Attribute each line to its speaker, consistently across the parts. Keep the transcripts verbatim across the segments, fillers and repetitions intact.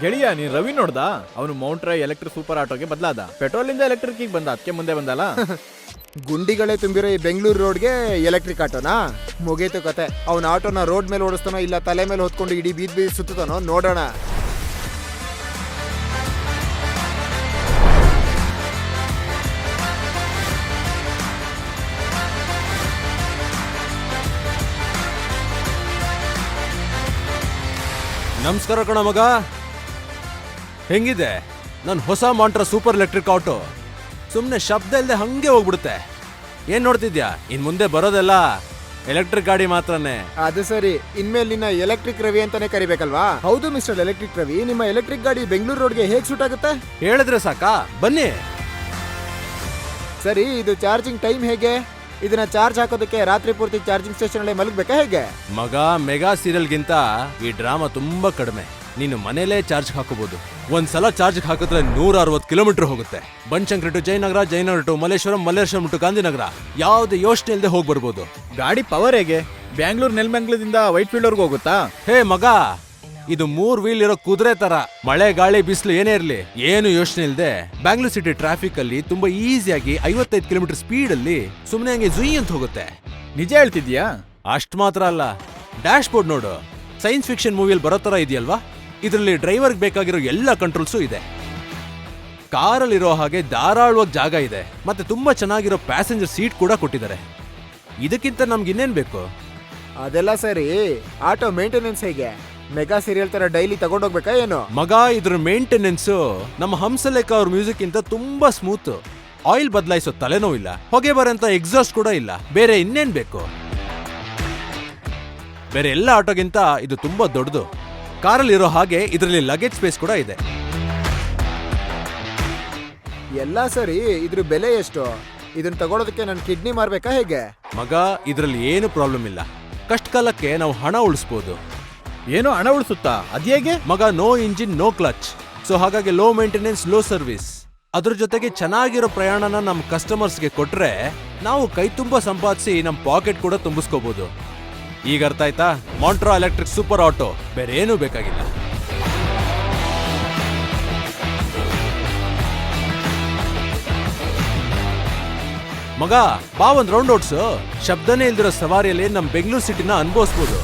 Speaker 1: ಗೆಳೆಯ ನೀನ್ ರವಿ ನೋಡ್ದ? ಅವನು ಮೌಂಟ್ರಾ ಎಲೆಕ್ಟ್ರಿಕ್ ಸೂಪರ್ ಆಟೋಗೆ ಬದಲಾದ. ಪೆಟ್ರೋಲ್ ಇಂದ ಎಲೆಕ್ಟ್ರಿಕ್ ಬಂದ, ಅದಕ್ಕೆ ಮುಂದೆ ಬಂದಲ್ಲ.
Speaker 2: ಗುಂಡಿಗಳೇ ತುಂಬಿರೋ ಈ ಬೆಂಗಳೂರು ರೋಡ್ಗೆ ಎಲೆಕ್ಟ್ರಿಕ್ ಆಟೋನಾ? ಮುಗೀತು ಕತೆ. ಅವನ ಆಟೋನ ರೋಡ್ ಮೇಲೆ ಓಡಿಸ್ತಾನೋ ಇಲ್ಲ ತಲೆ ಮೇಲೆ ಹೊತ್ಕೊಂಡು ಇಡೀ ಬೀದ್ ಬೀದ್ ಸುತ್ತಾನೋ ನೋಡೋಣ.
Speaker 3: ನಮಸ್ಕಾರ ಕಣ ಮಗ, ಹೆಂಗಿದೆ ನನ್ನ ಹೊಸ ಮಾಂಟ್ರಾ ಸೂಪರ್ ಎಲೆಕ್ಟ್ರಿಕ್ ಆಟೋ? ಸುಮ್ಮನೆ ಶಬ್ದ ಇಲ್ಲದೆ ಹಂಗೆ ಹೋಗ್ಬಿಡುತ್ತೆ. ಏನ್ ನೋಡ್ತಿದ್ಯಾ? ಇನ್ ಮುಂದೆ ಬರೋದೆಲ್ಲ ಎಲೆಕ್ಟ್ರಿಕ್ ಗಾಡಿ ಮಾತ್ರನೇ.
Speaker 2: ಅದು ಸರಿ, ಇನ್ಮೇಲೆ ನಿನ್ನ ಎಲೆಕ್ಟ್ರಿಕ್ ರವಿ ಅಂತಾನೆ ಕರಿಬೇಕಲ್ವಾ? ಹೌದು ಮಿಸ್ಟರ್ ಎಲೆಕ್ಟ್ರಿಕ್ ರವಿ, ನಿಮ್ಮ ಎಲೆಕ್ಟ್ರಿಕ್ ಗಾಡಿ ಬೆಂಗಳೂರು ರೋಡ್ಗೆ ಹೇಗೆ ಸೂಟ್ ಆಗುತ್ತೆ?
Speaker 3: ಹೇಳಿದ್ರೆ ಸಾಕಾ? ಬನ್ನಿ.
Speaker 2: ಸರಿ, ಇದು ಚಾರ್ಜಿಂಗ್ ಟೈಮ್ ಹೇಗೆ? ಇದನ್ನ ಚಾರ್ಜ್ ಹಾಕೋದಕ್ಕೆ ರಾತ್ರಿ ಪೂರ್ತಿ ಚಾರ್ಜಿಂಗ್ ಸ್ಟೇಷನ್ ಅಲ್ಲಿ ಮಲಗಬೇಕಾ ಹೇಗೆ?
Speaker 3: ಮಗ, ಮೆಗಾ ಸೀರಿಯಲ್ಗಿಂತ ಈ ಡ್ರಾಮಾ ತುಂಬಾ ಕಡಿಮೆ. ನೀನು ಮನೇಲೇ ಚಾರ್ಜ್ ಹಾಕೋಬಹುದು. ಒಂದ್ಸಲ ಚಾರ್ಜ್ ಹಾಕಿದ್ರೆ ನೂರ ಅರವತ್ತು ಕಿಲೋಮೀಟರ್ ಹೋಗುತ್ತೆ. Banashankari to Jayanagar, Jayanagar to Malleshwaram, Malleshwaram to Gandhinagar, ಯಾವುದೇ ಯೋಚನೆ ಇಲ್ಲದೆ ಹೋಗಿ ಬರ್ಬೋದು.
Speaker 1: ಗಾಡಿ ಪವರ್ ಹೇಗೆ? ಬ್ಯಾಂಗ್ಳೂರ್ ನೆಲಮಂಗಲದಿಂದ ವೈಟ್ ಫೀಲ್ಡ್ ವರ್ಗೂ ಹೋಗುತ್ತಾ?
Speaker 3: ಹೇ ಮಗ, ಇದು ಮೂರ್ ವೀಲ್ ಇರೋ ಕುದುರೆ ತರ. ಮಳೆ ಗಾಳಿ ಬಿಸಿಲು ಏನೇ ಇರ್ಲಿ ಏನು ಯೋಚನೆ ಇಲ್ಲದೆ ಬ್ಯಾಂಗ್ಳೂರ್ ಸಿಟಿ ಟ್ರಾಫಿಕ್ ಅಲ್ಲಿ ತುಂಬಾ ಈಸಿಯಾಗಿ ಐವತ್ತೈದು ಕಿಲೋಮೀಟರ್ ಸ್ಪೀಡ್ ಅಲ್ಲಿ ಸುಮ್ಮನೆ ಹಂಗೆ ಜುಯ್ ಅಂತ ಹೋಗುತ್ತೆ.
Speaker 1: ನಿಜ ಹೇಳ್ತಿದ್ಯಾ?
Speaker 3: ಅಷ್ಟ್ ಮಾತ್ರ ಅಲ್ಲ, ಡ್ಯಾಶ್ ಬೋರ್ಡ್ ನೋಡು, ಸೈನ್ಸ್ ಫಿಕ್ಷನ್ ಮೂವಿಯಲ್ಲಿ ಬರೋ ತರ ಇದೆಯಲ್ವಾ? ಇದರಲ್ಲಿ ಡ್ರೈವರ್ಗೆ ಬೇಕಾಗಿರೋ ಎಲ್ಲ ಕಂಟ್ರೋಲ್ಸು ಇದೆ. ಕಾರಲ್ಲಿರೋ ಹಾಗೆ ಧಾರಾಳವಾಗಿ ಜಾಗ ಇದೆ, ಮತ್ತೆ ತುಂಬಾ ಚೆನ್ನಾಗಿರೋ ಪ್ಯಾಸೆಂಜರ್ ಸೀಟ್ ಕೂಡ ಕೊಟ್ಟಿದ್ದಾರೆ. ಇದಕ್ಕಿಂತ ನಮ್ಗೆ ಇನ್ನೇನ್ ಬೇಕು?
Speaker 2: ಅದೆಲ್ಲ ಸರಿ, ಆಟೋ ಮೇಂಟೆನೆನ್ಸ್ ಹೇಗೆ? ಮೆಗಾ ಸೀರಿಯಲ್ ತರ ಡೈಲಿ ತಗೊಂಡೋಗ್ಬೇಕಾ ಏನು?
Speaker 3: ಮಗ, ಇದ್ರ ಮೇಂಟೆನೆನ್ಸ್ ನಮ್ಮ ಹಂಸಲೇಖ ಅವ್ರ ಮ್ಯೂಸಿಕ್ ಇಂತ ತುಂಬಾ ಸ್ಮೂತ್. ಆಯಿಲ್ ಬದಲಾಯಿಸೋ ತಲೆನೋವಿಲ್ಲ, ಹೊಗೆ ಬರೋಂತ ಎಕ್ಸಾಸ್ಟ್ ಕೂಡ ಇಲ್ಲ. ಬೇರೆ ಇನ್ನೇನ್ ಬೇಕು? ಬೇರೆ ಎಲ್ಲ ಆಟೋಗಿಂತ ಇದು ತುಂಬಾ ದೊಡ್ಡದು. ಕಾರಲ್ಲಿ ಇರೋ ಹಾಗೆ ಇದರಲ್ಲಿ ಲಗೇಜ್ ಸ್ಪೇಸ್ ಕೂಡ ಇದೆ.
Speaker 2: ಎಲ್ಲ ಸರಿ, ಇದ್ರ ಬೆಲೆ ಎಷ್ಟು? ಇದನ್ನ ತಗೊಳೋದಕ್ಕೆ ನನ್ನ ಕಿಡ್ನಿ ಮಾರ್ಬೇಕಾ ಹೇಗೆ?
Speaker 3: ಮಗ, ಇದರಲ್ಲಿ ಏನು ಪ್ರಾಬ್ಲಮ್ ಇಲ್ಲ. ಕಷ್ಟ ಕಾಲಕ್ಕೆ ನಾವು ಹಣ ಉಳಿಸ್ಬೋದು.
Speaker 1: ಏನೋ ಹಣ ಉಳಿಸುತ್ತಾ? ಅದ್ಹೇಗೆ?
Speaker 3: ಮಗ, no engine no clutch, so ಹಾಗಾಗಿ ಲೋ ಮೇಂಟೆನೆನ್ಸ್ ಲೋ ಸರ್ವಿಸ್. ಅದ್ರ ಜೊತೆಗೆ ಚೆನ್ನಾಗಿರೋ ಪ್ರಯಾಣನ ನಮ್ಮ ಕಸ್ಟಮರ್ಸ್ಗೆ ಕೊಟ್ರೆ ನಾವು ಕೈ ತುಂಬಾ ಸಂಪಾದಿಸಿ ನಮ್ಮ ಪಾಕೆಟ್ ಕೂಡ ತುಂಬಿಸ್ಕೋಬಹುದು. ಈಗ ಅರ್ಥ ಆಯ್ತಾ? ಮಾಂಟ್ರಾ ಎಲೆಕ್ಟ್ರಿಕ್ ಸೂಪರ್ ಆಟೋ, ಬೇರೆ ಏನೂ ಬೇಕಾಗಿಲ್ಲ. ಮಗ, ಬಾ ಒಂದ್ ರೌಂಡ್ ಓಡ್ಸು. ಶಬ್ದನೇ ಇಲ್ದಿರೋ ಸವಾರಿಯಲ್ಲಿ ನಮ್ Bengaluru ಸಿಟಿನ ಅನುಭವಿಸ್ಬೋದು.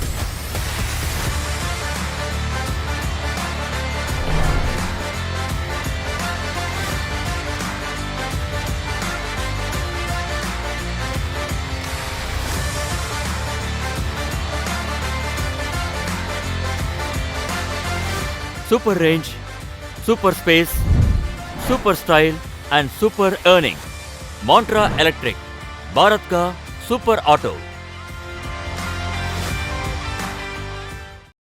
Speaker 4: Super range, super space, super style and super earning. Mantra Electric, Bharat का सुपर ऑटो.